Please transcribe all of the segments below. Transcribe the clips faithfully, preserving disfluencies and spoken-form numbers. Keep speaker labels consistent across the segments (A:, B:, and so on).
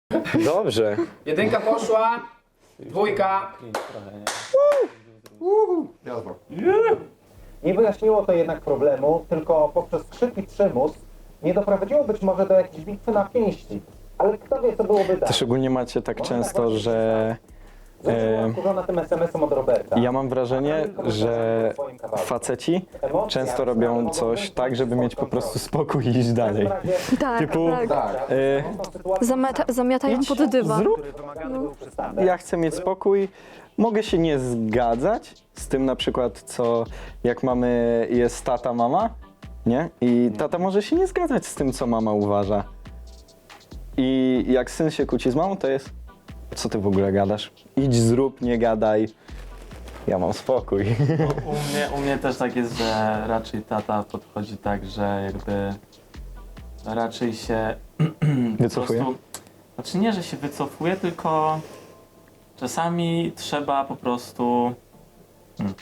A: Dobrze.
B: Jedynka poszła, dwójka.
C: Jazda.
D: Nie wyjaśniło to jednak problemu, tylko poprzez krzyk i przymus nie doprowadziło być może do jakiejś bitwy na pięści. Ale kto wie, co byłoby dalej.
A: Też ogólnie macie tak często, że
D: Została wkurzona tym es em esem od Roberta.
A: ja mam wrażenie, że faceci często robią coś tak, żeby mieć po prostu spokój i iść dalej.
E: Tak,
A: Typu,
E: tak.
C: Tak.
A: y,
E: Zamiata, zamiatają pod dywan.
A: zrób, ja chcę mieć spokój, mogę się nie zgadzać z tym na przykład, co jak mamy, jest tata, mama, nie? I tata może się nie zgadzać z tym, co mama uważa. I jak syn się kłóci z mamą, to jest, co ty w ogóle gadasz? Idź, zrób, nie gadaj. Ja mam spokój.
F: U mnie, u mnie też tak jest, że raczej tata podchodzi tak, że jakby raczej się po
A: Wycofuje?
F: prostu- Znaczy nie, że się wycofuje, tylko czasami trzeba po prostu... Hmm.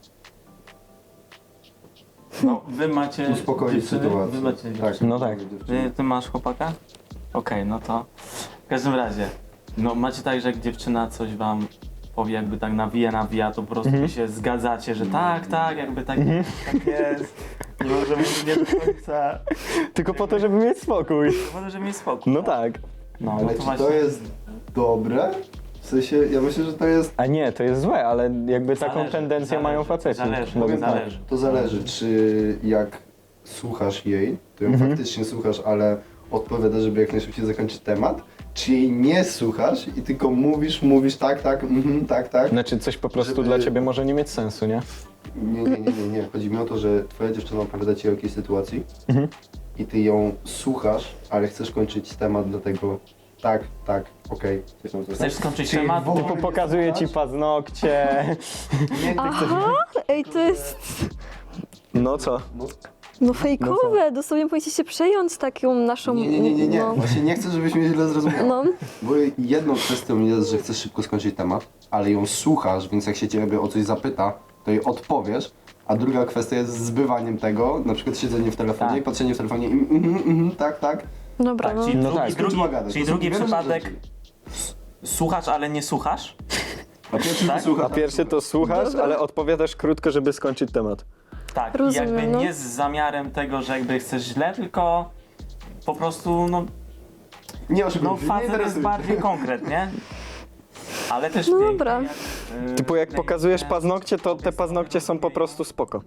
F: No, wy macie
C: Uspokoić
F: dziewczyny?
C: sytuację.
F: Wy macie
C: Tak.
F: dziewczyny?
A: No tak.
F: Ty, ty masz chłopaka? Okej, no to w każdym razie, no macie tak, że jak dziewczyna coś wam powie, jakby tak nawija, nawija, to po prostu wy się zgadzacie, że tak, tak, jakby tak, tak jest. I może mówić nie do końca,
A: Tylko po to, żeby mieć spokój.
F: może, żeby mieć spokój.
A: No tak.
F: No,
C: Ale
F: no
C: czy
F: to właśnie.
C: to jest dobre? W sensie, ja myślę, że to jest...
A: A nie, to jest złe, ale jakby taką
F: Zależy,
A: tendencję
F: zależy,
A: mają faceci.
F: zależy,
A: Mogę-
F: powiem zależy.
C: To zależy, czy jak słuchasz jej, to ją
A: Mhm.
C: faktycznie słuchasz, ale odpowiada, żeby jak najszybciej zakończyć temat, czy jej nie słuchasz i tylko mówisz, mówisz tak, tak, mhm, tak, tak.
A: Znaczy coś po prostu
C: Żeby-
A: dla ciebie może nie mieć sensu, nie?
C: Nie, nie, nie, nie, nie. Chodzi mi o to, że twoja dziewczyna opowiada ci o jakiejś sytuacji
A: Mhm.
C: i ty ją słuchasz, ale chcesz kończyć temat, dlatego tak, tak, okej. Chcesz tam
F: Chcesz skończyć
C: Czyli
F: temat?
C: w ogóle
A: Typu
C: nie
A: pokazuje ci
C: słuchasz?
A: paznokcie.
C: Nie, ty chcesz...
E: Ej, to jest
A: No co?
C: No,
E: no fejkowe, dosłownie powinniście się przejąć taką naszą...
C: nie, nie, nie, nie, nie.
E: No,
C: Właśnie nie chcę, żebyś mnie źle zrozumiał.
E: no.
C: Bo jedną kwestią jest, że chcesz szybko skończyć temat, ale ją słuchasz, więc jak się ciebie o coś zapyta, to jej odpowiesz. A druga kwestia jest zbywaniem tego, na przykład siedzenie w telefonie
F: Tak.
C: i patrzenie w telefonie i mhm, mhm, tak, tak.
E: Dobra,
F: Tak,
E: no.
F: czyli
A: No
F: drugi,
A: tak.
F: drugi,
C: Skończyła gadać.
F: czyli
C: To są
F: drugi
C: wiele
F: przypadek
C: rzeczy.
F: słuchasz, ale nie słuchasz?
C: A pierwszy
F: Tak?
C: to słuchasz.
A: A pierwszy to słuchasz, ale odpowiadasz krótko, żeby skończyć temat.
F: Tak,
E: Rozumiem,
F: i jakby
E: no.
F: nie z zamiarem tego, że jakby chcesz źle, tylko po prostu, no,
C: Nie oszukuj
F: no
C: się, nie
F: facet jest
C: interesuje
F: bardziej
C: cię.
F: konkret, nie? Ale też
E: No
F: pięknie,
E: dobra.
F: Jak, yy,
A: Typu jak
F: pięknie
A: pokazujesz paznokcie, to te paznokcie są po prostu spoko.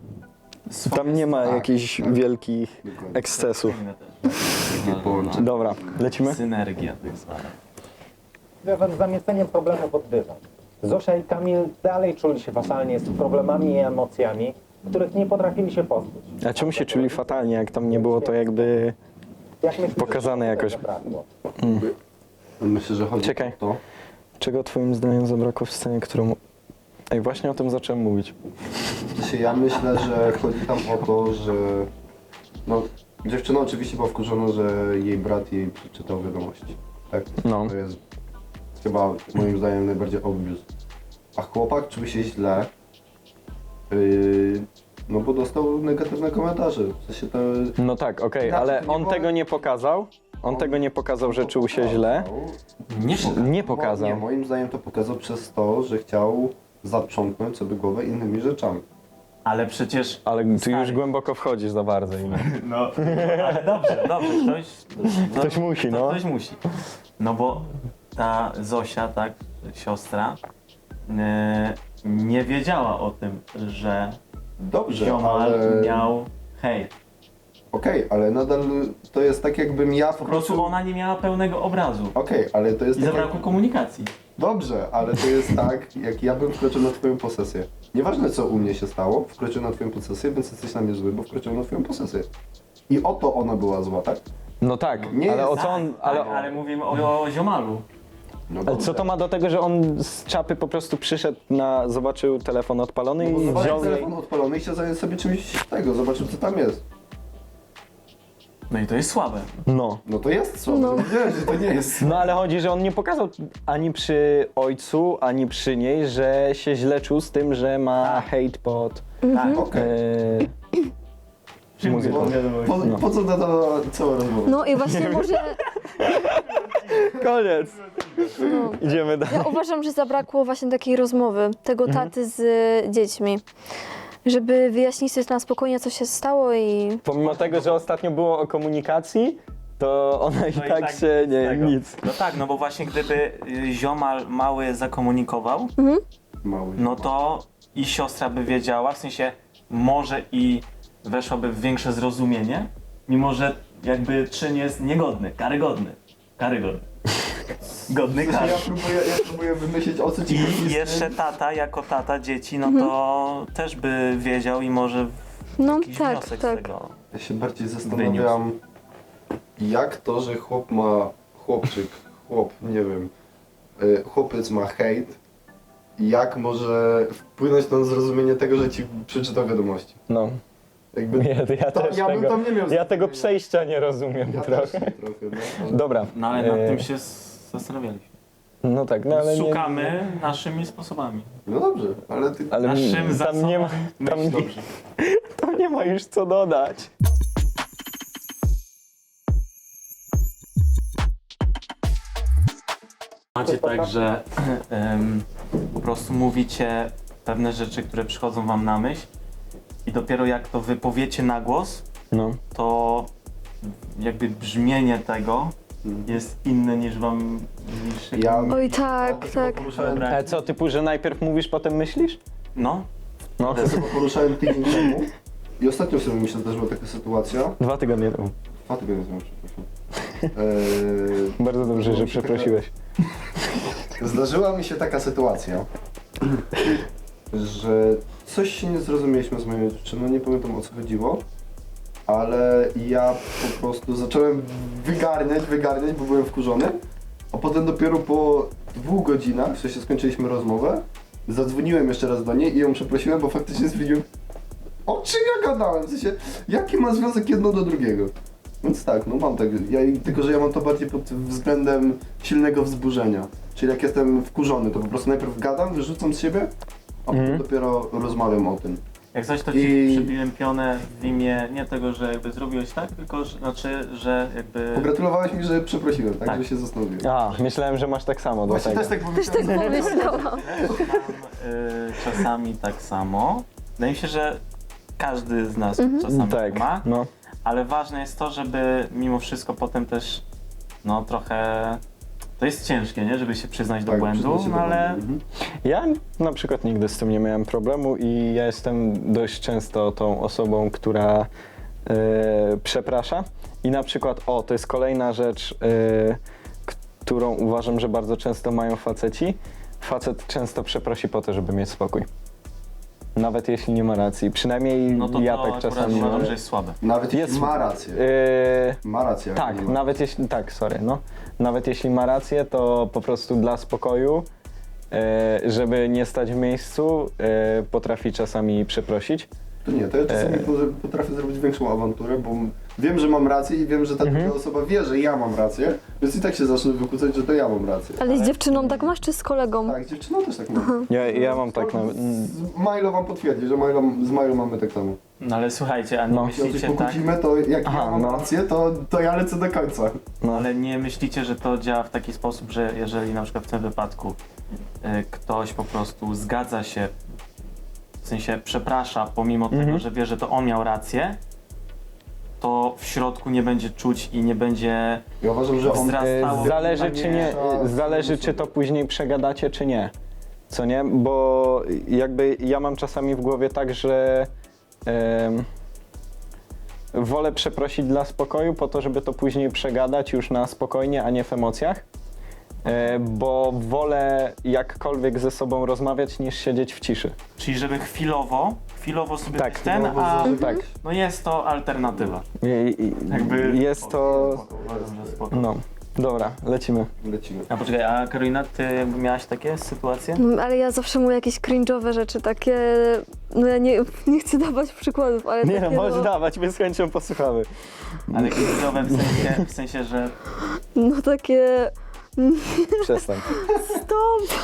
A: Tam nie ma
C: Tak,
A: jakichś
C: tak.
A: wielkich
C: Dokładnie.
A: ekscesów.
F: Fajne też.
C: Takie połączenie.
A: Dobra, lecimy?
F: Synergia tak zwana.
D: Związane z zamieceniem problemu pod dywan. Zosia i Kamil dalej czuli się fatalnie z problemami i emocjami, których nie potrafili się pozbyć.
A: A czemu się czuli fatalnie, jak tam nie było to jakby...
D: Jak myślisz,
A: Pokazane
D: że
A: jakoś.
D: zabrakło?
C: Myślę, że chodzi
A: Czekaj.
C: o to.
A: Czego twoim zdaniem zabrakło w scenie, którą... Ej, właśnie o tym zacząłem mówić.
C: W sensie ja myślę, że chodzi tam o to, że no, dziewczyna oczywiście była wkurzona, że jej brat jej przeczytał wiadomości. Tak?
A: No.
C: To jest chyba moim zdaniem najbardziej obvious. A chłopak czuł się źle, yy, no bo dostał negatywne komentarze. W sensie to...
A: No tak, okej,
C: Znaczy,
A: ale
C: to nie
A: on
C: było-
A: tego nie pokazał. On tego nie pokazał, że czuł się źle.
F: Nie,
A: Nie pokazał.
C: Nie, moim zdaniem to pokazał przez to, że chciał zaprzątnąć sobie głowę innymi rzeczami.
F: ale przecież...
A: Ale ty
F: Stary.
A: już głęboko wchodzisz za bardzo. i nie.
F: No, ale dobrze, dobrze, ktoś...
A: Ktoś musi,
F: to
A: no.
F: Ktoś musi. No bo ta Zosia, tak, siostra, yy, nie wiedziała o tym, że
C: Dobrze,
F: ziomal
C: ale...
F: miał hejt.
C: Okej, ale nadal to jest tak jakbym ja
F: Po prostu ona nie miała pełnego obrazu.
C: Okej, ale to jest
F: I
C: tak
F: zabrakło
C: jak...
F: komunikacji.
C: Dobrze, ale to jest tak, jak ja bym wkroczył na twoją posesję. Nieważne co u mnie się stało, wkroczył na twoją posesję, więc jesteś na mnie zły, bo wkroczył na twoją posesję. I o to ona była zła, tak?
A: No tak,
C: Nie
A: ale
C: jest-
A: o co on...
F: Ale,
A: Ale,
F: ale mówimy o, o ziomalu.
C: No
A: ale co to ma do tego, że on z czapy po prostu przyszedł na... Zobaczył telefon odpalony
C: No
A: i
C: bo
A: wziął
C: zobaczył
A: jej...
C: telefon odpalony i chciał zająć sobie czymś tego, zobaczył co tam jest.
F: No i to jest słabe.
A: No.
C: No to jest co?
E: No.
C: No. Wiedziałem, że to nie jest.
A: No ale chodzi, że on nie pokazał ani przy ojcu, ani przy niej, że się źle czuł z tym, że ma
F: Tak.
A: hejt pod...
F: Tak.
C: Okej.
A: E, muzyką.
C: Po,
A: No.
C: po co na to cała rozmowa?
E: No i właśnie może...
A: koniec. Idziemy dalej.
E: Ja uważam, że zabrakło właśnie takiej rozmowy, tego taty z y, dziećmi. Żeby wyjaśnić sobie na spokojnie, co się stało i...
A: Pomimo tego, że ostatnio było o komunikacji, to ona i
F: No
A: tak się
F: z
A: nie,
F: tego.
A: nic.
F: No tak, no bo właśnie gdyby y, ziomal mały zakomunikował,
C: Mały.
F: no to i siostra by wiedziała, w sensie może i weszłaby w większe zrozumienie, mimo że jakby czyn jest niegodny, karygodny. Karygodny. Godny
C: Ja
F: kary.
C: próbuję, ja próbuję wymyślić, o co ci chodzi
F: I
C: z
F: jeszcze
C: tym.
F: tata, jako tata dzieci, no to też by wiedział i może
E: No
F: jakiś
E: tak,
F: wniosek
E: tak.
F: z tego.
C: Ja się bardziej zastanawiam, jak to, że chłop ma, chłopczyk, chłop, nie wiem, y, chłopiec ma hejt, jak może wpłynąć na zrozumienie tego, że ci przeczytał wiadomości.
A: No,
C: Jakby,
A: ja, ja
C: to,
A: też
C: ja bym
A: tego,
C: tam nie miał
A: ja tego
C: zrozumienia.
A: przejścia nie rozumiem
C: Ja
A: trochę.
C: też trochę, no, ale-
A: Dobra.
F: No ale nad
A: e,
F: tym się s- zastanawialiśmy.
A: No tak, no ale nie,
F: Szukamy naszymi sposobami.
C: No dobrze, ale ty...
A: ale
F: Naszym
A: tam
F: zasobem
A: nie ma, tam
F: myśl
A: nie,
F: dobrze.
A: tam nie ma już co dodać.
F: Macie tak, że em, po prostu mówicie pewne rzeczy, które przychodzą wam na myśl i dopiero jak to wypowiecie na głos,
A: No.
F: to jakby brzmienie tego jest inne niż wam... Niż
C: Ja-
E: Oj tak,
C: Ja
E: tak.
C: poruszałem,
F: Dobra.
A: Ale co, typu, że najpierw mówisz, potem myślisz?
F: No,
A: No.
C: ja sobie poruszałem tydzień temu i ostatnio sobie mi się zdarzyła taka sytuacja.
A: Dwa tygodnie temu.
C: Dwa tygodnie temu, przepraszam. Eee,
A: Bardzo dobrze,
C: zdarzyła
A: że
C: mi się
A: przeprosiłeś.
C: Taka, zdarzyła mi się taka sytuacja, że coś się nie zrozumieliśmy z moją dziewczyną, nie pamiętam o co chodziło, ale ja po prostu zacząłem wygarniać, wygarniać, bo byłem wkurzony, a potem dopiero po dwóch godzinach, w sensie skończyliśmy rozmowę, zadzwoniłem jeszcze raz do niej i ją przeprosiłem, bo faktycznie stwierdziłem, o czym ja gadałem, w sensie, jaki ma związek jedno do drugiego. Więc tak, no mam tak, ja, tylko że ja mam to bardziej pod względem silnego wzburzenia. Czyli jak jestem wkurzony, to po prostu najpierw gadam, wyrzucam z siebie, a potem
A: Mhm.
C: dopiero rozmawiam o tym.
F: jak coś to ci
C: I-
F: przybiłem pionę w imię nie tego, że jakby zrobiłeś tak, tylko że, znaczy, że jakby...
C: Pogratulowałeś mi, że przeprosiłem, tak,
F: Tak.
C: że się zastanowiłem.
A: A, myślałem, że masz tak samo do
C: Właśnie
A: tego.
C: też tak
E: Też tak
C: pomyślałem.
E: pomyślałam.
F: Mam y, czasami tak samo. Wydaje mi się, że każdy z nas czasami
A: Tak,
F: tak ma,
A: no.
F: ale ważne jest to, żeby mimo wszystko potem też no trochę... To jest ciężkie, nie? Żeby się przyznać do
C: Tak,
F: błędu,
C: przyznać się do
F: no ale
C: błędu. Mhm.
A: Ja na przykład nigdy z tym nie miałem problemu i ja jestem dość często tą osobą, która e, przeprasza. I na przykład, o, to jest kolejna rzecz, e, którą uważam, że bardzo często mają faceci. Facet często przeprosi po to, żeby mieć spokój. Nawet jeśli nie ma racji. Przynajmniej
F: no to
A: ja
F: to
A: tak
F: akurat
A: czasami
F: uważam,
A: mam.
F: że jest słabe.
C: Nawet
A: Jest-
C: jeśli ma rację.
A: E,
C: Ma rację. jak
A: Tak,
C: nie ma.
A: nawet jeśli, tak, sorry, no. Nawet jeśli ma rację, to po prostu dla spokoju, e, żeby nie stać w miejscu, e, potrafi czasami przeprosić.
C: To nie, to ja czasami
A: E.
C: po- potrafię zrobić większą awanturę, bo wiem, że mam rację i wiem, że ta
A: Mhm.
C: druga osoba wie, że ja mam rację, więc i tak się zacznę wykłócać, że to ja mam rację.
E: Ale z dziewczyną tak masz, czy z kolegą?
C: Tak, z dziewczyną też tak mam.
A: Ja, ja mam tak na...
C: Z Milo wam potwierdzi, że Milo, z Milo mamy tak samo.
F: No ale słuchajcie, a nie
A: No.
C: Jeśli się
F: myślicie tak,
C: pokłócimy, to jak
A: Aha,
C: ja mam
A: no.
C: rację, to, to ja lecę do końca.
A: No.
F: ale nie myślicie, że to działa w taki sposób, że jeżeli na przykład w tym wypadku y, ktoś po prostu zgadza się, w sensie przeprasza, pomimo
A: Mhm.
F: tego, że wie, że to on miał rację, to w środku nie będzie czuć i nie będzie
C: Ja uważam, że on...
F: wzrastało.
A: E, Zależy czy nie,
C: Tak,
A: e, zależy czy to później przegadacie, czy nie. Co nie? Bo jakby ja mam czasami w głowie tak, że em, wolę przeprosić dla spokoju po to, żeby to później przegadać już na spokojnie, a nie w emocjach. E, bo wolę jakkolwiek ze sobą rozmawiać, niż siedzieć w ciszy.
F: Czyli żeby chwilowo, chwilowo sobie
A: Tak,
F: być ten,
C: chwilowo
F: a
C: zażegnać.
A: Tak.
F: no jest to alternatywa.
A: I, i,
F: Jakby-
A: jest to...
F: Uważam, że spoko.
A: No, dobra, lecimy.
C: Lecimy.
F: A poczekaj, a Karolina, ty jakby miałaś takie sytuacje?
E: No, ale ja zawsze mówię jakieś cringe'owe rzeczy, takie... No ja nie, nie chcę dawać przykładów, ale
A: Nie no,
E: takie
A: możesz
E: no,
A: dawać, my z chęcią posłuchamy.
F: Ale kryzysowe w sensie, w sensie, że
E: no takie...
A: Przestań.
E: Stop!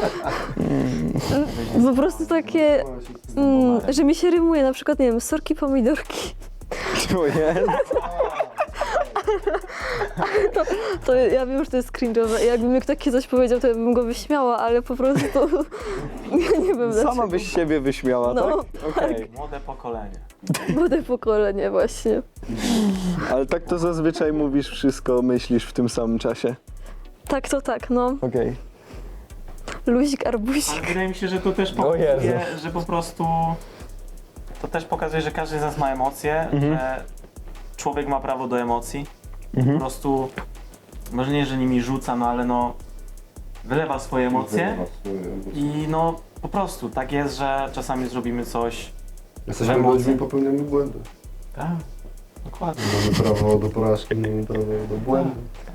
E: Po prostu takie... Mm, że mi się rymuje, na przykład, nie wiem, sorki, pomidorki.
A: Czuję.
E: to, to ja wiem, że to jest cringe'owe. Jakby mi takie coś powiedział, to ja bym go wyśmiała, ale po prostu ja nie wiem dlaczego.
A: Sama byś siebie wyśmiała,
E: No,
A: tak? Okej.
F: Młode pokolenie.
E: Młode pokolenie właśnie.
A: Ale tak to zazwyczaj mówisz wszystko, myślisz w tym samym czasie.
E: Tak to tak, no.
A: Okej.
E: Luzik,
F: Ale
E: arbuzik.
F: wydaje mi się, że to też
A: O Jezu.
F: pokazuje, że po prostu to też pokazuje, że każdy z nas ma emocje,
A: Mhm.
F: że człowiek ma prawo do emocji.
A: Mhm.
F: Po prostu, może nie, że nimi rzuca, no ale no wylewa swoje emocje i no po prostu tak jest, że czasami zrobimy coś.
C: Jesteśmy
F: Emocje.
C: ludźmi, popełniamy błędy.
F: Tak, dokładnie.
C: Mamy prawo do porażki, mamy prawo do błędu.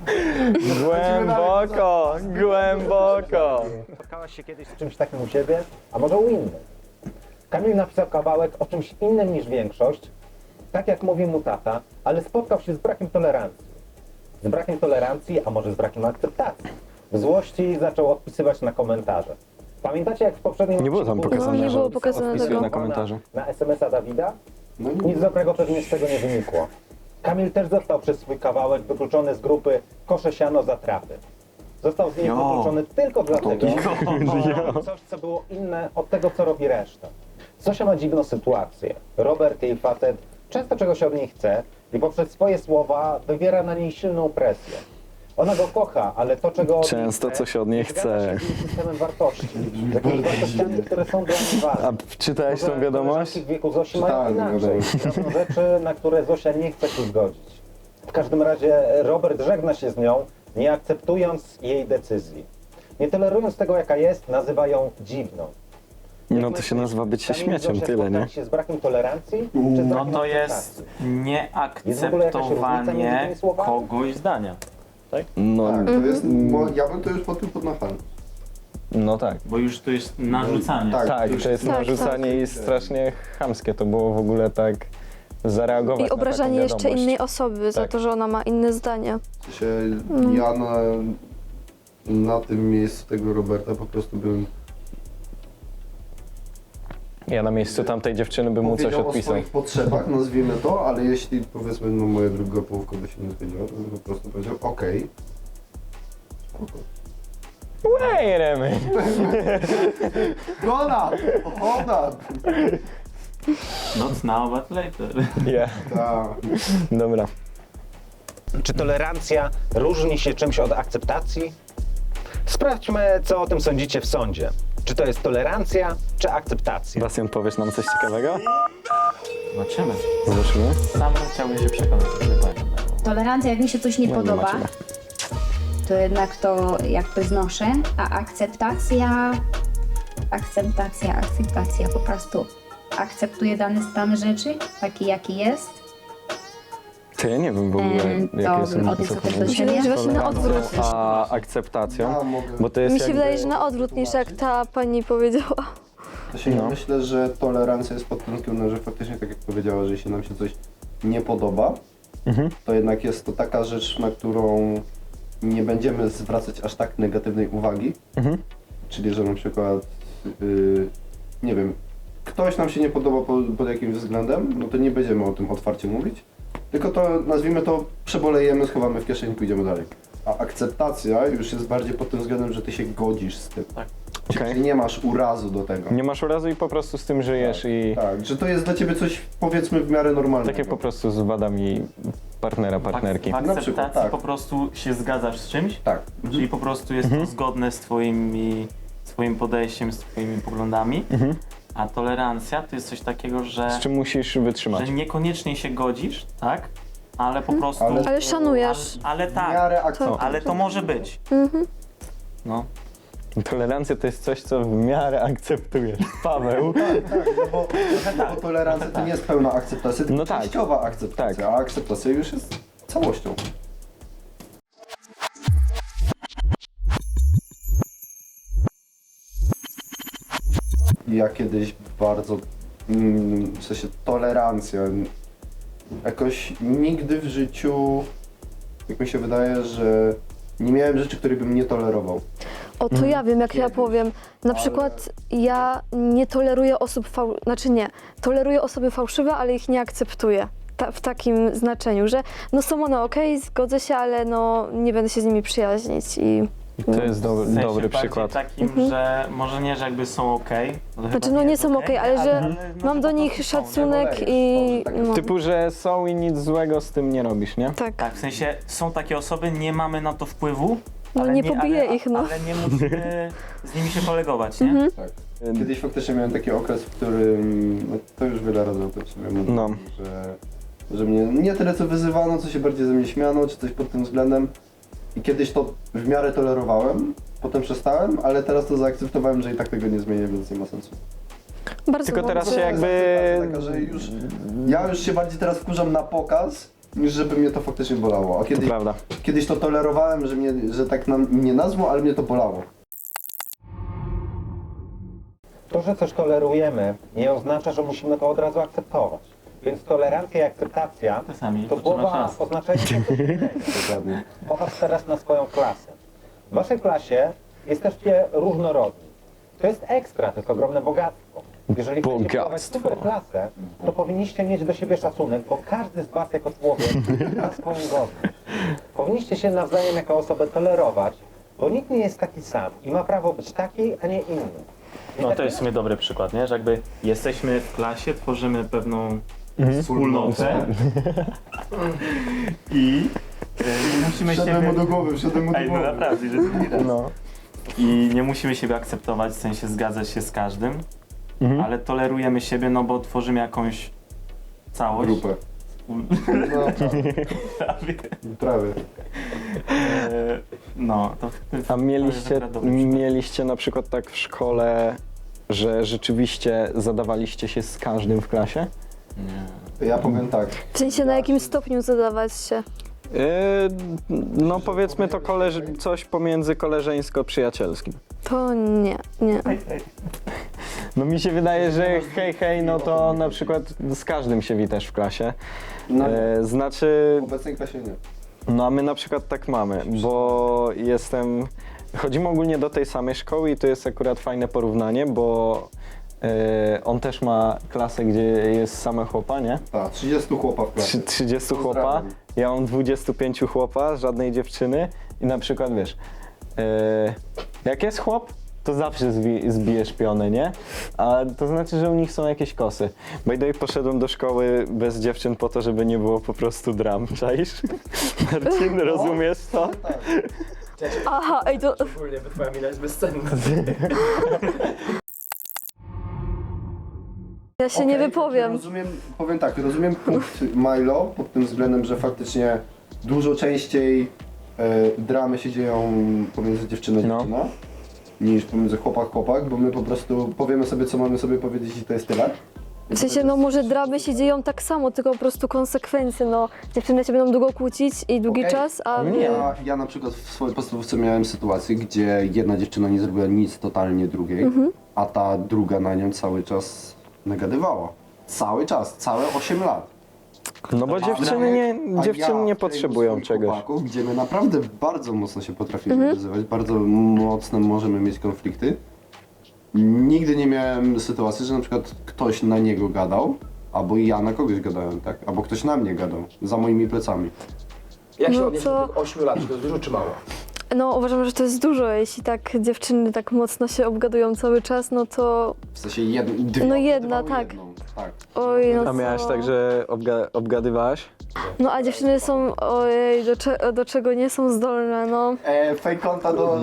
A: Głęboko, głęboko.
D: Spotkałaś się kiedyś z czymś takim u siebie, a może u innych? Kamil napisał kawałek o czymś innym niż większość, tak jak mówi mu tata, ale spotkał się z brakiem tolerancji. Z brakiem tolerancji, a może z brakiem akceptacji. W złości zaczął odpisywać na komentarze. Pamiętacie, jak w poprzednim
A: Nie było tam
D: odcinku
A: pokazane,
E: No, nie
A: że
E: było pokazane
A: odpisuje
E: tego.
A: na komentarze.
D: Na es em es a Dawida?
C: No nie.
D: Nic dobrego pewnie z tego nie wynikło. Kamil też został przez swój kawałek wykluczony z grupy Kosze Siano za trapy. Został z niej
F: Jo.
D: wykluczony tylko dlatego,
F: Jo.
D: że robił coś, co było inne od tego, co robi reszta. Zosia ma dziwną sytuację. Robert, jej facet, często czegoś od niej chce i poprzez swoje słowa wywiera na niej silną presję. Ona go kocha, ale to, czego od niej
A: Często
D: chce,
A: coś od niej
D: nie zgadza
A: chce.
D: się z jej systemem wartości. Z jakimiś wartościami, które są dla niej ważne.
A: A czytałeś tą
D: Może
A: wiadomość?
D: koleżanki w wieku Zosi mają
C: Czytałem
D: inaczej.
C: wiadomość.
D: Robią rzeczy, na które Zosia nie chce się zgodzić. W każdym razie Robert żegna się z nią, nie akceptując jej decyzji. Nie tolerując tego, jaka jest, nazywa ją dziwną. Jak
A: No to się
D: myślisz,
A: nazywa bycie
D: Kamil,
A: śmieciem,
D: Zosia
A: tyle, nie?
D: spotkali się z brakiem tolerancji, czy z
F: No
D: brakiem
F: to jest
D: akceptacji? Jest w ogóle jakaś różnica między
F: nieakceptowanie
D: tymi słowami?
F: kogoś zdania.
A: No,
C: Tak, to jest, bo ja bym to już po tym podnachałem.
A: no tak.
F: Bo już to jest narzucanie.
C: Tak.
A: Tak, to jest
E: Tak,
A: narzucanie i strasznie chamskie. To było w ogóle tak zareagować
E: I obrażanie
A: na taką
E: jeszcze
A: wiadomość.
E: innej osoby za
A: Tak.
E: to, że ona ma inne zdanie.
C: W sensie ja na, na tym miejscu tego Roberta po prostu bym
A: Ja na miejscu tamtej dziewczyny bym mu coś
C: powiedział o
A: odpisał.
C: swoich potrzebach, nazwijmy to, ale jeśli powiedzmy no moja druga połówka by się nie zgodziła, to bym po prostu powiedział okej. Spoko.
A: Wait a minute.
C: Hold up! Hold up!
F: Not now, but later.
A: Yeah.
C: Tak.
A: Dobra.
D: Czy tolerancja różni się czymś od akceptacji? Sprawdźmy, co o tym sądzicie w sądzie. Czy to jest tolerancja, czy akceptacja?
A: Bastian, powiesz nam coś ciekawego?
F: Zobaczymy.
A: Zobaczymy.
F: Sam chciałbym się przekonać, że dokładnie.
G: Tolerancja, jak mi się coś nie
A: No nie
G: podoba,
A: macie.
G: to jednak to jakby znoszę, a akceptacja, akceptacja, akceptacja, po prostu akceptuję dany stan rzeczy, taki jaki jest.
A: To ja nie wiem w ogóle,
G: Em,
A: jakie
G: to
A: są
G: bym odniosła też do
E: Mi się wydaje, że właśnie na odwrót.
A: A akceptacją,
C: Ja mogę.
A: bo to jest
E: Mi się
A: jakby...
E: wydaje, że na odwrót niż jak ta pani powiedziała.
C: To się
A: No.
C: myślę, że tolerancja jest pod tym względem, że faktycznie tak jak powiedziała, że jeśli nam się coś nie podoba,
A: Mhm.
C: to jednak jest to taka rzecz, na którą nie będziemy zwracać aż tak negatywnej uwagi.
A: Mhm.
C: Czyli, że na przykład, yy, nie wiem, ktoś nam się nie podoba pod, pod jakimś względem, no to nie będziemy o tym otwarcie mówić, tylko to, nazwijmy to, przebolejemy, schowamy w kieszeni i pójdziemy dalej. A akceptacja już jest bardziej pod tym względem, że ty się godzisz z tym.
F: Tak.
C: Czyli
A: Okej.
C: nie masz urazu do tego.
A: Nie masz urazu i po prostu z tym żyjesz i
C: Tak, że to jest dla ciebie coś, powiedzmy, w miarę normalnego.
A: takie po prostu z wadami partnera, partnerki.
F: W
C: Na
F: akceptacji
C: przykład, tak.
F: po prostu się zgadzasz z czymś,
C: Tak.
F: czyli po prostu jest
A: Mhm.
F: to zgodne z twoimi, swoim podejściem, z twoimi poglądami,
A: Mhm.
F: a tolerancja to jest coś takiego, że,
A: Z czym musisz wytrzymać.
F: że niekoniecznie się godzisz, tak? Ale po prostu...
C: Ale-
E: Ale szanujesz.
F: ale, ale
C: W
F: tak,
C: miarę akceptacji.
F: ale to może być.
E: Mhm.
F: No.
A: Tolerancja to jest coś, co w miarę akceptujesz. Paweł.
C: Tak, tak, no bo, no bo tolerancja to nie jest pełna akceptacja, tylko
A: No tak.
C: częściowa akceptacja,
A: Tak.
C: a akceptacja już jest całością. Ja kiedyś bardzo, mm, w sensie tolerancja, jakoś nigdy w życiu, jak mi się wydaje, że nie miałem rzeczy, których bym nie tolerował.
E: O, to ja wiem, jak ja
C: Kiedyś.
E: powiem. Na
C: Ale-
E: przykład ja nie toleruję osób fał... Znaczy nie, toleruję osoby fałszywe, ale ich nie akceptuję. ta, w takim znaczeniu, że no są one okej, zgodzę się, ale no nie będę się z nimi przyjaźnić i...
A: To jest do,
F: W sensie
A: dobry
F: bardziej
A: przykład.
F: takim, że może nie, że jakby są okej. Okay,
E: Znaczy no nie są okej, ale że mam do nich szacunek i... No,
A: Typu, że są i nic złego z tym nie robisz, nie?
E: tak.
F: Tak, w sensie są takie osoby, nie mamy na to wpływu.
E: No
F: ale
E: nie pobiję
F: ale,
E: no.
F: Ale nie musimy z nimi się kolegować, nie?
E: Mhm.
C: Tak. Kiedyś faktycznie miałem taki okres, w którym, no to już wiele razy o tym sobie mówiłem,
A: No.
C: że, że mnie nie tyle co wyzywano, co się bardziej ze mnie śmiano, czy coś pod tym względem. I kiedyś to w miarę tolerowałem, potem przestałem, ale teraz to zaakceptowałem, że i tak tego nie zmienię, więc nie ma sensu.
E: Bardzo
A: Tylko teraz
E: dobrze.
A: się jakby...
C: Taka, że już, ja już się bardziej teraz wkurzam na pokaz, niż żeby mnie to faktycznie bolało. A
A: To
C: kiedyś,
A: prawda.
C: kiedyś to tolerowałem, że, mnie, że tak nam, mnie nazwą, ale mnie to bolało.
D: To, że coś tolerujemy, nie oznacza, że musimy to od razu akceptować. Więc tolerancja i akceptacja
F: Czasami
D: to
F: potrzeba
D: słowa
F: czasu.
D: oznaczają coś innego.
C: Dokładnie.
D: Popatrz teraz na swoją klasę. W waszej klasie jesteście różnorodni. To jest ekstra, to jest ogromne bogactwo. Jeżeli chcecie budować
A: Bogactwo.
D: super klasę, to powinniście mieć do siebie szacunek, bo każdy z was jako człowiek ma swoją godność. Powinniście się nawzajem jako osobę tolerować, bo nikt nie jest taki sam i ma prawo być taki, a nie inny.
F: No to jest w sumie dobry przykład, nie? Że jakby jesteśmy w klasie, tworzymy pewną
A: Mhm.
F: wspólnotę i y, nie musimy
C: Wszedłem
F: siebie...
C: mu do głowy, wszedłem mu do
F: Ej, no
C: głowy.
F: naprawdę, że drugi raz.
A: No.
F: I nie musimy siebie akceptować, w sensie zgadzać się z każdym,
A: Mhm.
F: ale tolerujemy siebie, no bo tworzymy jakąś całość.
C: Grupę. No,
F: Prawie.
C: prawie.
F: E, No, to, to
A: A mieliście,
F: to jest akurat dobry przykład.
A: mieliście na przykład tak w szkole, że rzeczywiście zadawaliście się z każdym w klasie?
F: Nie.
C: Ja powiem tak.
E: W sensie na jakim stopniu zadawać się?
A: Yy, no powiedzmy to koleż coś pomiędzy koleżeńsko-przyjacielskim.
E: To nie, nie.
A: No mi się wydaje, że hej, hej, no to na przykład z każdym się witasz w klasie.
C: No,
A: E, znaczy,
C: w obecnej klasie nie.
A: no a my na przykład tak mamy, bo jestem, chodzimy ogólnie do tej samej szkoły i to jest akurat fajne porównanie, bo e, on też ma klasę, gdzie jest same chłopa, nie?
C: Tak, trzydziestu chłopa w klasie.
A: Trzy- trzydziestu chłopa,
C: Pozdrawiam.
A: ja mam dwudziestu pięciu chłopa, żadnej dziewczyny i na przykład wiesz, e, jak jest chłop, to zawsze zbi zbijesz pionę, nie? A to znaczy, że u nich są jakieś kosy. By the way, poszedłem do szkoły bez dziewczyn po to, żeby nie było po prostu dram, czaisz? Marcin, rozumiesz to?
E: Aha, ej to...
B: Ogólnie, bo twoja mina jest bezcenna.
E: Ja się nie
C: Okej,
E: wypowiem.
C: Rozumiem, powiem tak, rozumiem punkt Milo pod tym względem, że faktycznie dużo częściej e, dramy się dzieją pomiędzy dziewczyną a
A: No.
C: dziewczyna niż pomiędzy chłopak chłopak, bo my po prostu powiemy sobie, co mamy sobie powiedzieć i to jest tyle.
E: W sensie, no może dramy się dzieją tak samo, tylko po prostu konsekwencje, no. Dziewczyny się będą długo kłócić i długi
C: Okej.
E: czas, a wy...
C: Ja, ja na przykład w swojej podstawówce miałem sytuację, gdzie jedna dziewczyna nie zrobiła nic totalnie drugiej,
E: Mhm.
C: a ta druga na nią cały czas nagadywała. Cały czas, całe osiem lat.
A: No bo
C: A
A: dziewczyny nie,
C: a
A: dziewczyny
C: ja
A: nie
C: w
A: potrzebują
C: kręgu
A: czegoś.
C: swoich chłopaków, gdzie my naprawdę bardzo mocno się potrafimy
E: Mhm.
C: wyzywać, bardzo mocno możemy mieć konflikty. Nigdy nie miałem sytuacji, że na przykład ktoś na niego gadał, albo ja na kogoś gadałem, tak? Albo ktoś na mnie gadał, za moimi plecami.
B: Jak się
E: No
B: odnieść
E: co?
B: do tych ośmiu lat? Czy to jest dużo czy mało?
E: No uważam, że to jest dużo, jeśli tak dziewczyny tak mocno się obgadują cały czas, no to...
C: W sensie jed, dwie
E: No jedna,
C: obgadywały
E: tak.
C: jedną, tak.
E: Oj, no
A: A
E: co?
A: miałaś tak, że obga obgadywałaś?
E: No a dziewczyny są, ojej, do, cze do czego nie są zdolne, no.
C: E, fake konta do...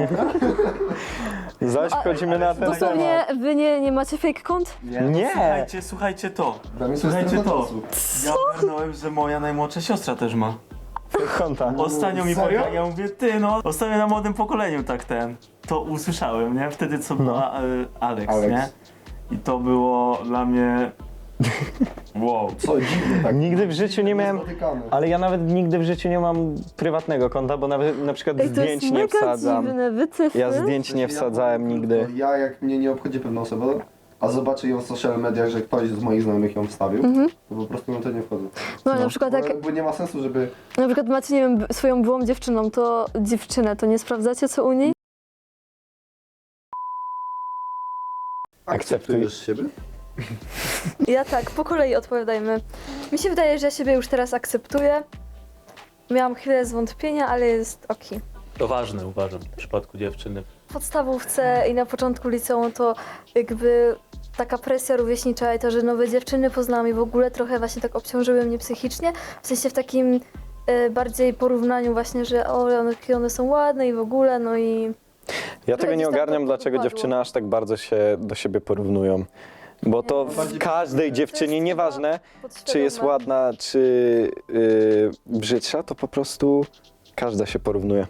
A: Zaś wchodzimy na ten temat.
E: Dosłownie, wy nie, nie macie fake kont?
A: Nie!
F: Słuchajcie, słuchajcie to.
C: Dla mnie to jest
F: Słuchajcie
C: strata
F: to.
C: czasu.
F: Ja ogarnąłem, że moja najmłodsza siostra też ma.
A: Konta.
F: Ostatnio mi
C: Serio?
F: powiedziała, ja mówię, ty no, ostatnio na młodym pokoleniu tak ten, to usłyszałem, nie? Wtedy co była e, Alex,
C: Alex.
F: nie? I to było dla mnie... Wow.
C: Co, dziwnie tak.
A: Nigdy w życiu nie miałem,
C: Niespotykane.
A: ale ja nawet nigdy w życiu nie mam prywatnego konta, bo nawet na przykład
E: Ej, to
A: zdjęć
E: jest
A: nie
E: mega
A: wsadzam.
E: dziwne, wycyfy.
A: Ja zdjęć nie wsadzałem nigdy.
C: Ja jak mnie nie obchodzi pewna osoba, a zobaczę ją w social mediach, że ktoś z moich znajomych ją wstawił, to po prostu na to nie wchodzę.
E: No na przykład
C: Bo,
E: jak
C: bo nie ma sensu, żeby...
E: na przykład macie, nie wiem, b- swoją byłą dziewczyną, to dziewczynę, to nie sprawdzacie co u niej?
A: Akceptuj.
C: siebie?
E: Ja tak, po kolei odpowiadajmy. Mi się wydaje, że ja siebie już teraz akceptuję. Miałam chwilę zwątpienia, ale jest okej.
H: To ważne, uważam, w przypadku dziewczyny.
E: W podstawówce i na początku liceum to jakby taka presja rówieśnicza i to, że nowe dziewczyny poznałam i w ogóle trochę właśnie tak obciążyły mnie psychicznie. W sensie w takim e, bardziej porównaniu właśnie, że o, one, jakie one są ładne i w ogóle, no i...
A: Ja tego
E: gdzieś
A: nie
E: tam
A: ogarniam,
E: to
A: dlaczego
E: wypadło.
A: dziewczyny aż tak bardzo się do siebie porównują. Bo to w każdej dziewczynie, nieważne czy jest
E: podświadome.
A: ładna, czy yy, brzydsza, to po prostu każda się porównuje.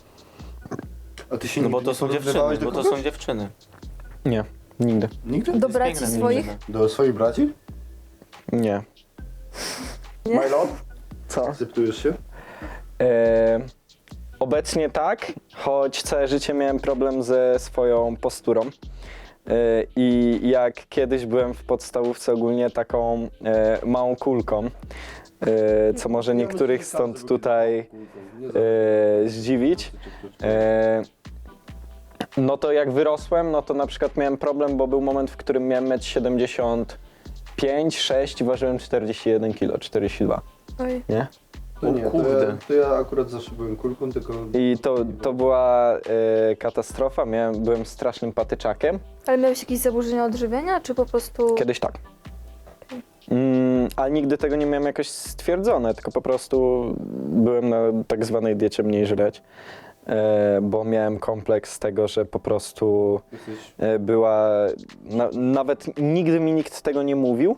C: A ty się
H: No bo
C: nigdy
H: to
C: nie
H: są dziewczyny,
C: porównywałeś do
H: bo to
C: kogoś?
H: są dziewczyny.
A: Nie, nigdy.
C: Nigdy?
E: Do
H: Jest
E: braci
H: piękna
E: swoich?
H: dziewczyna.
C: Do swoich braci?
A: Nie.
E: Nie?
C: Milo?
A: Co?
C: Akceptujesz się?
A: E, obecnie tak, choć całe życie miałem problem ze swoją posturą. E, I jak kiedyś byłem w podstawówce ogólnie taką e, małą kulką, e, co może niektórych stąd tutaj e, zdziwić. E, no to jak wyrosłem, no to na przykład miałem problem, bo był moment, w którym miałem metr siedemdziesiąt pięć, sześć i ważyłem czterdzieści jeden kilo, czterdzieści dwa,
E: Oj.
A: nie?
C: To nie, to
H: kurde.
C: ja, to ja akurat zawsze byłem kulką, tylko...
A: I to, to była e, katastrofa, miałem, byłem strasznym patyczakiem.
E: Ale miałeś jakieś zaburzenia odżywiania, czy po prostu...
A: Kiedyś tak. Mm, ale nigdy tego nie miałem jakoś stwierdzone, tylko po prostu byłem na tak zwanej diecie mniej żreć, e, bo miałem kompleks tego, że po prostu
C: Jesteś...
A: e, była, na, nawet nigdy mi nikt tego nie mówił,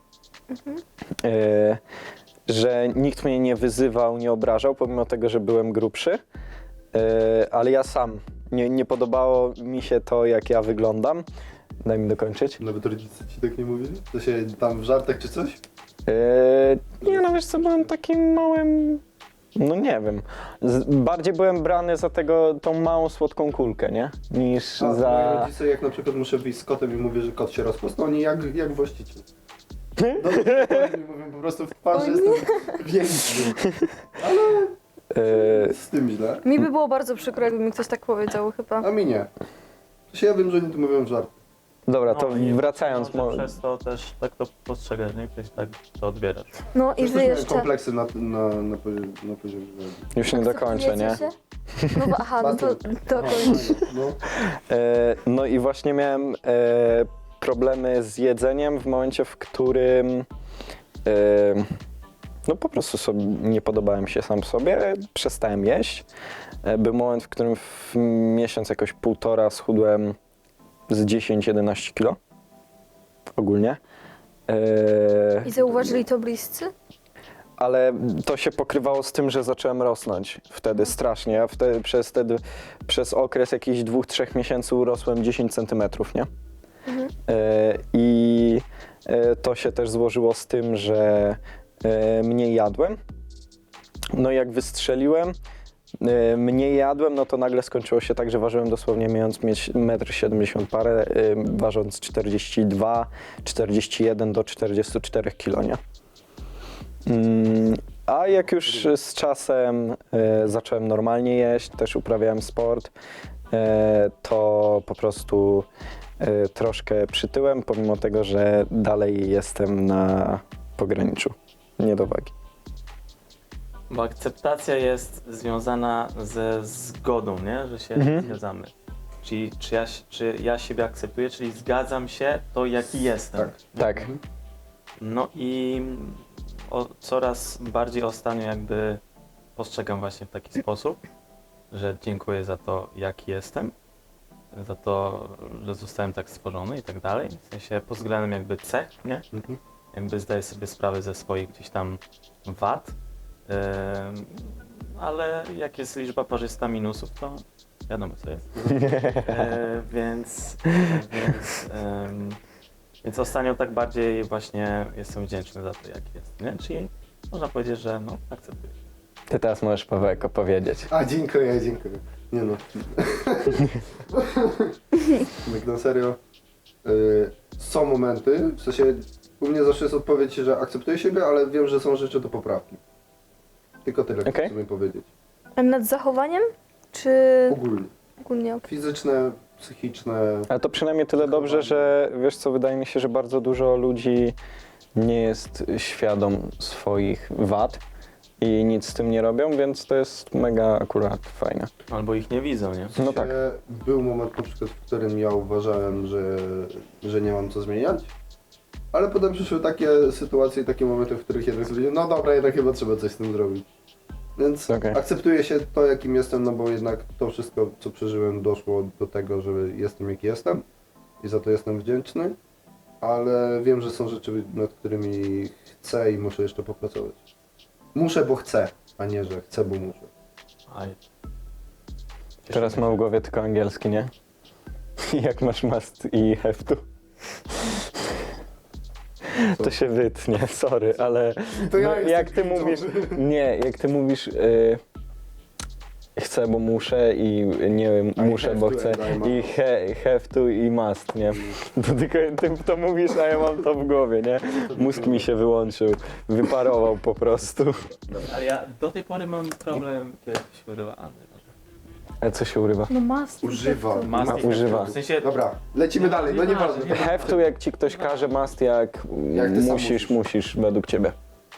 A: e, że nikt mnie nie wyzywał, nie obrażał, pomimo tego, że byłem grubszy, e, ale ja sam, nie, nie podobało mi się to, jak ja wyglądam. Daj mi dokończyć.
C: Nawet rodzice ci tak nie mówili? To się tam w żartach czy coś?
A: Eee, nie no wiesz co, byłem takim małym, no nie wiem, z, bardziej byłem brany za tego, tą małą słodką kulkę, nie? Niż
C: A moi
A: za...
C: rodzice, jak na przykład muszę wyjść z kotem i mówię, że kot się rozpostał, oni jak, jak właściciel. No, oni mówią po prostu w twarz, że jestem większy.
A: Eee,
C: Z tym źle.
E: Mi by było bardzo przykro, jakby mi ktoś tak powiedział chyba.
C: A mi nie. Się ja wiem, że oni tu mówią w żart.
A: dobra, to
H: No i
A: wracając,
H: może
A: mo-
H: przez to też tak to postrzegasz, nie? Ktoś tak to odbierasz.
E: No i
C: Też
E: wy
C: miałem
E: jeszcze...
C: kompleksy na, na, na, poziomie, na poziomie wyglądu.
A: już nie dokończę, nie?
E: Akceptujecie się? No bo, aha, no to dokończ.
C: No.
A: E, no i właśnie miałem e, problemy z jedzeniem w momencie, w którym e, no po prostu sobie nie podobałem się sam sobie, przestałem jeść. E, był moment, w którym w miesiąc jakoś półtora schudłem z dziesięć jedenaście kilo ogólnie. E,
E: I zauważyli to bliscy?
A: ale to się pokrywało z tym, że zacząłem rosnąć wtedy strasznie. Ja wtedy, przez, wtedy, przez okres jakichś dwóch, trzech miesięcy urosłem dziesięć centymetrów, nie?
E: Mhm.
A: E, I e, to się też złożyło z tym, że e, mniej jadłem. No i jak wystrzeliłem, e, mniej jadłem, no to nagle skończyło się tak, że ważyłem dosłownie mając mieć metr siedemdziesiąt parę, e, ważąc czterdzieści dwa, czterdzieści jeden do czterdziestu czterech kilo, nie? Mm, a jak już z czasem e, zacząłem normalnie jeść, też uprawiałem sport, e, to po prostu e, troszkę przytyłem, pomimo tego, że dalej jestem na pograniczu niedowagi.
F: Bo akceptacja jest związana ze zgodą, nie? Że się
A: Mhm.
F: zgadzamy. Czyli czy ja, czy ja siebie akceptuję, czyli zgadzam się to, jaki jestem.
C: Tak.
A: Tak.
F: No i o, coraz bardziej ostatnio jakby postrzegam właśnie w taki sposób, że dziękuję za to, jaki jestem, za to, że zostałem tak stworzony i tak dalej. W sensie pod względem jakby cech, nie?
C: Mhm.
F: Jakby zdaję sobie sprawę ze swoich gdzieś tam wad, Ym, ale jak jest liczba parzysta minusów, to wiadomo co jest. E, więc, więc, ym, więc ostatnio tak bardziej właśnie jestem wdzięczny za to, jaki jest, nie? Czyli można powiedzieć, że no, akceptuję.
A: Ty teraz możesz, Pawełek, opowiedzieć.
C: A, dziękuję, dziękuję. Nie no. Tak na serio. Y, są momenty, w sensie u mnie zawsze jest odpowiedź, że akceptuję siebie, ale wiem, że są rzeczy do poprawki. Tylko tyle
A: Okej.
C: chcę sobie powiedzieć.
E: A nad zachowaniem? Czy
C: Ogólnie.
E: ogólnie? Okay.
C: Fizyczne psychiczne.
A: Ale to przynajmniej tyle dobrze, że wiesz co, wydaje mi się, że bardzo dużo ludzi nie jest świadom swoich wad i nic z tym nie robią, więc to jest mega akurat fajne.
F: Albo ich nie widzą, nie?
A: No tak.
C: E, Był moment na przykład, w którym ja uważałem, że, że nie mam co zmieniać, ale potem przyszły takie sytuacje i takie momenty, w których jednak stwierdziłem, no dobra, jednak chyba trzeba coś z tym zrobić. Więc
A: Okej.
C: akceptuję się to, jakim jestem, no bo jednak to wszystko, co przeżyłem, doszło do tego, że jestem, jaki jestem i za to jestem wdzięczny, ale wiem, że są rzeczy, nad którymi chcę i muszę jeszcze popracować. Muszę, bo chcę, a nie, że chcę, bo muszę.
F: Aj.
A: Teraz mam w głowie tylko angielski, nie? Jak masz must i have to. To się wytnie, sorry, ale
C: To ja
A: no,
C: jestem
A: jak ty
C: cringe'owy.
A: mówisz, nie, jak ty mówisz y, chcę, bo muszę i nie muszę,
C: have
A: bo
C: to
A: chcę
C: and I must.
A: i he, have to i must, nie? To tylko ty to mówisz, a ja mam to w głowie, nie? Mózg mi się wyłączył, wyparował po prostu.
F: Ale ja do tej pory mam problem, kiedy się urywa Anny.
A: A co się urywa?
E: No must.
C: Używa.
E: to-
F: Must
A: Ma-
F: i
A: używa.
F: have to. W sensie,
C: Dobra, lecimy dalej, no nieważne.
F: nieważne.
A: Have to jak ci ktoś każe, must jak,
C: Jak ty sam
A: musisz,
C: musisz.
A: musisz według ciebie.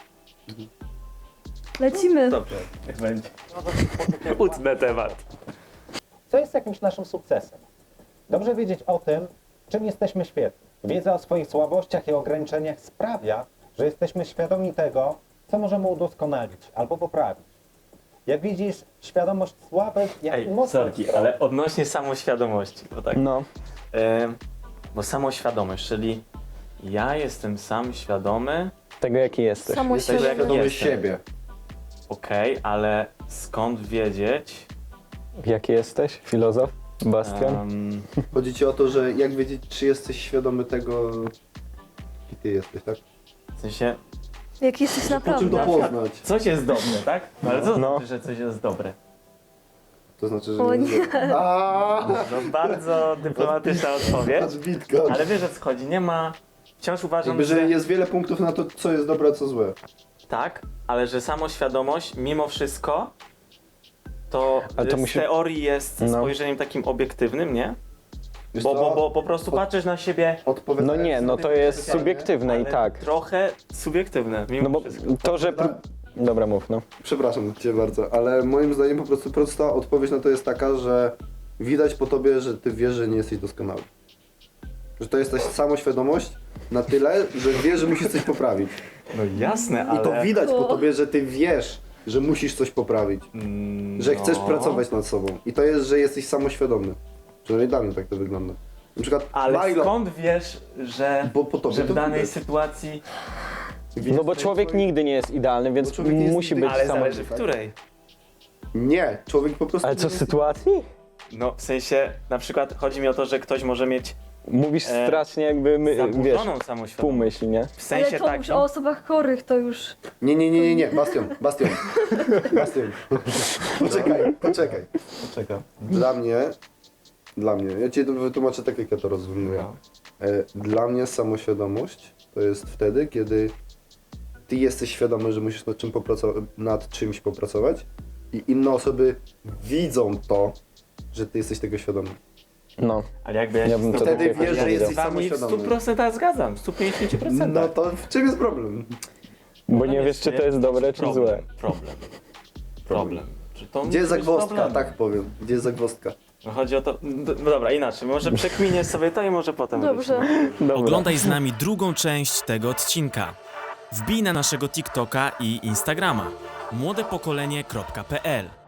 E: Lecimy.
F: dobrze, jak będzie. Utnę temat.
D: Co jest jakimś naszym sukcesem? Dobrze wiedzieć o tym, czym jesteśmy świetni. Wiedza o swoich słabościach i ograniczeniach sprawia, że jesteśmy świadomi tego, co możemy udoskonalić albo poprawić. Jak widzisz, świadomość słabych, jak i
F: Ej,
D: mocnych
F: sorki,
D: stron.
F: ale odnośnie samoświadomości, bo tak.
A: No,
F: Em, bo samoświadomość, czyli ja jestem sam świadomy,
A: tego jaki jesteś.
E: Samoświadomy.
F: jak
C: Świadomy
F: jestem.
C: siebie.
F: okej, ale skąd wiedzieć?
A: Jaki jesteś? Filozof? Bastian?
F: em,
C: Chodzi ci o to, że jak wiedzieć, czy jesteś świadomy tego, jaki ty jesteś, tak?
F: w sensie,
E: Jak jesteś
C: Po czym to
E: naprawdę.
C: poznać?
F: coś jest dobre, tak? No, ale co
A: No.
F: znaczy, że coś jest dobre?
C: To znaczy, że
E: O
C: nie.
E: nie.
C: Aaaa!
F: No bardzo dyplomatyczna odpowiedź,
C: Patrz, bitka.
F: ale wiesz o co chodzi, nie ma, wciąż uważam,
C: Jakby,
F: że
C: że jest wiele punktów na to, co jest dobre, a co złe.
F: tak, ale że samoświadomość mimo wszystko to,
A: Ale to
F: z
A: musi-
F: teorii jest
A: No.
F: spojrzeniem takim obiektywnym, nie?
C: Wiesz
F: Bo,
C: co?
F: bo, bo po prostu
C: Od-
F: patrzysz na siebie,
A: No
C: Odpowiadając
A: nie, no
C: sobie
A: to
C: na
A: jest
C: pytanie,
A: subiektywne i
F: ale
A: tak.
F: trochę subiektywne mimo
A: No bo
F: wszystko.
A: to, że... Pr... Dobra, mów, no.
C: Przepraszam cię bardzo, ale moim zdaniem po prostu prosta odpowiedź na to jest taka, że widać po tobie, że ty wiesz, że nie jesteś doskonały. Że to jest ta samoświadomość na tyle, że wiesz, że musisz coś poprawić.
F: No jasne, ale...
C: I to widać po tobie, że ty wiesz, że musisz coś poprawić.
F: Mm,
C: Że chcesz
F: no.
C: pracować nad sobą. I to jest, że jesteś samoświadomy. Przynajmniej dla mnie tak to wygląda. Na przykład
F: Ale
C: Milo,
F: skąd wiesz, że,
C: bo po tobie
F: że
C: to
F: w danej
C: widać.
F: sytuacji...
A: No bo człowiek nigdy nie jest idealny, więc
C: człowiek nie jest
A: musi być
C: idealny.
F: Ale
A: samo...
F: zależy w której.
C: Nie, człowiek po prostu...
A: Ale co,
C: nie jest-
A: sytuacji?
F: No w sensie, na przykład chodzi mi o to, że ktoś może mieć
A: Mówisz
F: E,
A: strasznie jakby, my, wiesz,
F: zaburzoną samoświadomość.
A: półmyśl, nie?
F: W sensie
E: Ale to
F: takim...
E: już o osobach chorych to już.
C: Nie, nie, nie, nie, nie, Bastion, Bastion. Bastion. Poczekaj, poczekaj.
F: Czego?
C: Dla mnie, dla mnie, ja ci to wytłumaczę tak, jak ja to rozumiem.
F: No.
C: E, Dla mnie samoświadomość to jest wtedy, kiedy ty jesteś świadomy, że musisz nad, czym popracować, nad czymś popracować i inne osoby widzą to, że ty jesteś tego świadomy.
A: No.
F: Ale jakby ja
A: Ja
F: się
A: bym
F: z
A: to
F: tobą-
A: tak jakoś
C: wiesz, że
A: nie
C: jesteś
A: widział.
F: z wami w
C: samoświadomy.
F: stu procentach zgadzam, w stu pięćdziesięciu procentach.
C: No to w czym jest problem?
A: Bo nie wiesz, czy to jest dobre, czy
F: problem,
A: złe.
F: Problem. Problem. Czy to
C: Gdzie jest
F: musi być
C: zagwozdka,
F: problemem?
C: tak powiem. Gdzie jest zagwozdka?
F: No chodzi o to... No dobra, inaczej. Może przekminię sobie to i może potem
E: Dobrze.
F: wrócimy.
A: Dobra.
I: Oglądaj z nami drugą część tego odcinka. Wbij na naszego TikToka i Instagrama młodepokolenie kropka p l.